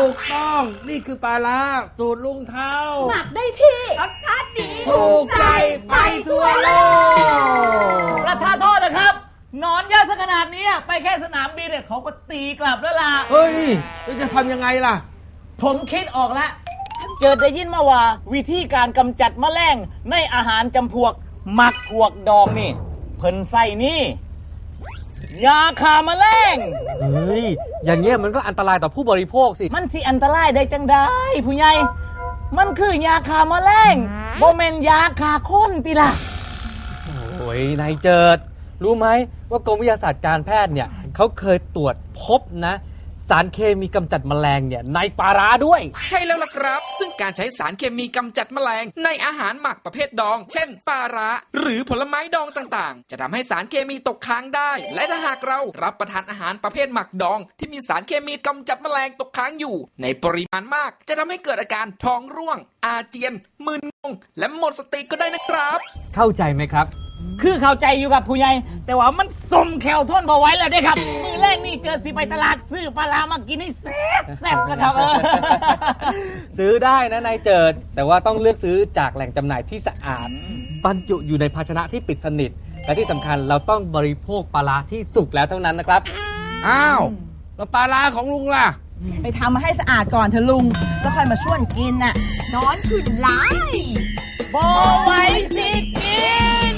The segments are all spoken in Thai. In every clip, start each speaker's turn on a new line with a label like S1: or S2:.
S1: ถูกต้องนี่คือปลาร้าสูตรลุงเท้า
S2: หมักได้ที่รสชาติดี
S1: ถูกใจไปทั่วโลก
S3: ประทานโทษนะครับหนอนเยอะซะขนาดนี้ไปแค่สนามบินเนี่ยเขาก็ตีกลับแล้วล่ะ
S1: เฮ้ยจะทำยังไงล่ะ
S3: ผมคิดออกแล้วเจอได้ยินมาว่าวิธีการกำจัดแมลงในอาหารจำพวกหมักพวกดองนี่เพิ่นใส่นี่ยาฆ่าแมลง
S4: เฮ้ยอย่างเงี้ยมันก็อันตรายต่อผู้บริโภคสิ
S3: มันสิอันตรายได้จังได้ผู้ใหญ่มันคือยาฆ่าแมลงบ่แม่นยาฆ่าคนติล่ะ
S4: โอ้ยนายเจิดรู้ไหมว่ากรมวิทยาศาสตร์การแพทย์เนี่ยเขาเคยตรวจพบนะสารเคมีกำจัดแมลงเนี่ยในปลาร้าด้วย
S5: ใช่แล้วล่ะครับซึ่งการใช้สารเคมีกำจัดแมลงในอาหารหมักประเภทดองเช่นปลาร้าหรือผลไม้ดองต่างๆจะทำให้สารเคมีตกค้างได้และถ้าหากเรารับประทานอาหารประเภทหมักดองที่มีสารเคมีกำจัดแมลงตกค้างอยู่ในปริมาณมากจะทำให้เกิดอาการท้องร่วงอาเจียนมึนงงและหมดสติก็ได้นะครับ
S4: เข้าใจไหมครับ
S3: คือเข้าใจอยู่กับผู้ใหญ่แต่ว่ามันสมแขวทนบ่ไหวแล้วเด้ครับมือแรกนี่เจอสิไปตลาดซื้อปลาร้ามากินให้แซ่บนะครับ
S4: ซื้อได้นะนายเจิดแต่ว่าต้องเลือกซื้อจากแหล่งจำหน่ายที่สะอาดบรรจุอยู่ในภาชนะที่ปิดสนิทและที่สำคัญเราต้องบริโภคปลาร้าที่สุกแล้วเท่านั้นนะครับ
S1: อ้าวแล้วปลาร้าของลุงล่ะ
S2: ไปทำมาให้สะอาดก่อนเถอะลุงแล้วค่อยมาชวนกินน่ะนอนขึ้นหลาย
S3: บ่ไหวสิกิน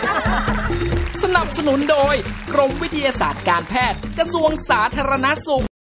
S5: สนับสนุนโดยกรมวิทยาศาสตร์การแพทย์กระทรวงสาธารณสุข